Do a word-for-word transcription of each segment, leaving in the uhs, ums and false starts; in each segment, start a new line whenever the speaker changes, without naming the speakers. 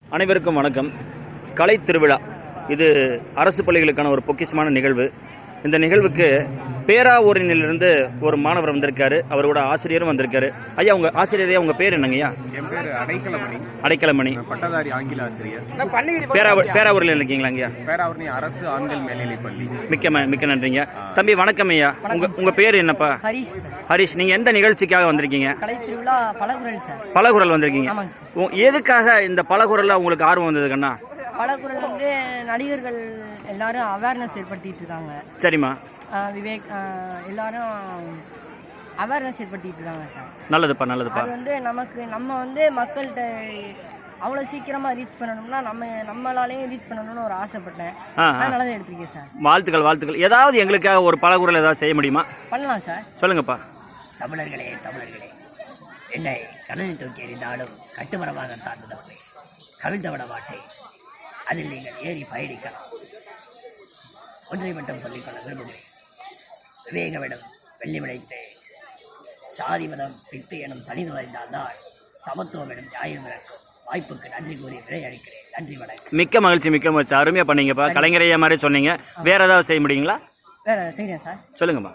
அனைவருக்கும் வணக்கம். கலை திருவிழா இது அரசு பள்ளிகளுக்கான ஒரு பொக்கிஷமான நிகழ்வு. இந்த நிகழ்வுக்கு பேராவூரிலிருந்து ஒரு மாணவர் வந்திருக்காரு, அவரோட ஆசிரியரும் வந்திருக்காரு. ஐயா, உங்க ஆசிரியரே உங்க பேர் என்னங்கய்யா?
என் பேர் அடைக்கலமணி.
அடைக்கலமணி,
பட்டதாரி ஆங்கில ஆசிரியர்.
பேராவூர் பேராவூரில் இருக்கீங்களா? ஐயா,
பேராவூர்னி அரசு ஆண்கள் மேல்நிலைப் பள்ளி.
மிக்க மிக்க நன்றிங்க தம்பி. வணக்கம் ஐயா. உங்க உங்க பேர் என்னப்பா?
ஹரிஷ்.
ஹரிஷ், நீங்க எந்த நிகழ்ச்சிக்காக வந்திருக்கீங்க?
கலை திருவிழா பலகுரல் சார்.
பலகுரல் வந்திருக்கீங்க. எதுக்காக இந்த பலகுரல்ல உங்களுக்கு ஆர்வம் வந்தது கண்ணா?
பலகுரல் வந்து நடிகர்கள் எல்லாரும் அவேர்னஸ் ஏற்படுத்திட்டு இருக்காங்க.
சரிம்மா.
விவேக் எல்லாரும் அவேர்னஸ் ஏற்படுத்திட்டு இருக்காங்க சார். நல்லதுப்பா
நல்லதுப்பா.
அது வந்து நமக்கு நம்ம வந்து மக்கள்கிட்ட அவ்வளோ சீக்கிரமாக ரீச் பண்ணணும்னா நம்ம நம்மளாலேயும் ரீச் பண்ணணும்னு ஒரு ஆசைப்பட்டேன். அதனால தான் எடுத்துருக்கேன் சார்.
வாழ்த்துக்கள் வாழ்த்துக்கள். ஏதாவது எங்களுக்காக ஒரு பலகுரல் ஏதாவது செய்ய முடியுமா?
பண்ணலாம் சார்.
சொல்லுங்கப்பா.
தமிழர்களே தமிழர்களே, என்னை கடலில் தூக்கி எறிந்தாலும் கட்டுமரமாக தாழ்ந்தவர்களே, கவிழ்ந்து விட மாட்டேன். அதில் நீங்கள் ஏறி பயணிக்கலாம். ஒன்றை மட்டும் சொல்லிக்கொள்ள விரும்புகிறேன். விவேகமிடம் வெள்ளி விளைத்து சாதி மதம் பித்து எனும் சனி நுழைந்தால்தான் சமத்துவம் எனும் நியாயம் இறக்கும். வாய்ப்புக்கு நன்றி கூறி விடை அளிக்கிறேன். நன்றி வணக்கம்.
மிக்க மகிழ்ச்சி மிக்க மகிழ்ச்சி. அருமையா பண்ணீங்கப்பா. கலைஞரையா மாதிரி சொன்னீங்க. வேற ஏதாவது செய்ய முடியுங்களா?
வேற செய்கிறேன் சார்.
சொல்லுங்கம்மா.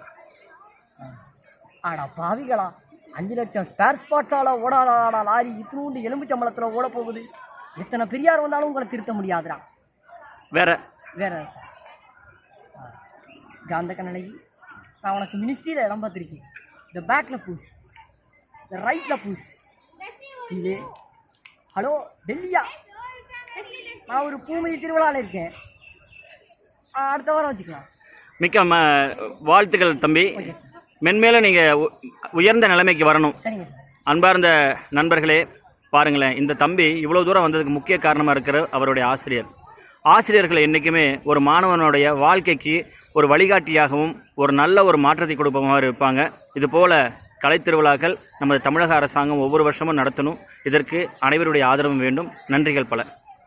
ஆடா பாவிகளா, அஞ்சு லட்சம் ஸ்பேர் ஸ்பாட்ஸால ஓடாதாடா லாரி இத்தினூண்டு எலும்புச்சம்பளத்தில் ஓட போகுது. எத்தனை பெரியார் வந்தாலும் உங்களை திருத்த முடியாதுடா.
வேற
வேற சார் காந்த கண்ணகி, நான் உனக்கு மினிஸ்ட்ரியில் இடம் பார்த்துருக்கேன். இந்த பேக்கில் பூஸ், இந்த ரைட்டில் பூஸ். இல்லை ஹலோ டெல்லியா, நான் ஒரு பூமதி திருவிழாவில் இருக்கேன். அடுத்த வாரம் வச்சுக்கலாம்.
மிக்க ம வாழ்த்துக்கள் தம்பி. மென்மேலும் நீங்கள் உயர்ந்த நிலைமைக்கு வரணும்.
சரிங்க சார்.
அன்பார்ந்த நண்பர்களே, பாருங்களேன், இந்த தம்பி இவ்வளோ தூரம் வந்ததுக்கு முக்கிய காரணமாக இருக்கிற அவருடைய ஆசிரியர். ஆசிரியர்கள் என்றைக்குமே ஒரு மாணவனுடைய வாழ்க்கைக்கு ஒரு வழிகாட்டியாகவும் ஒரு நல்ல ஒரு மாற்றத்தை கொடுப்பமாக இருப்பாங்க. இதுபோல் கலைத்திருவிழாக்கள் நமது தமிழக அரசாங்கம் ஒவ்வொரு வருஷமும் நடத்தணும். இதற்கு அனைவருடைய ஆதரவும் வேண்டும். நன்றிகள் பல.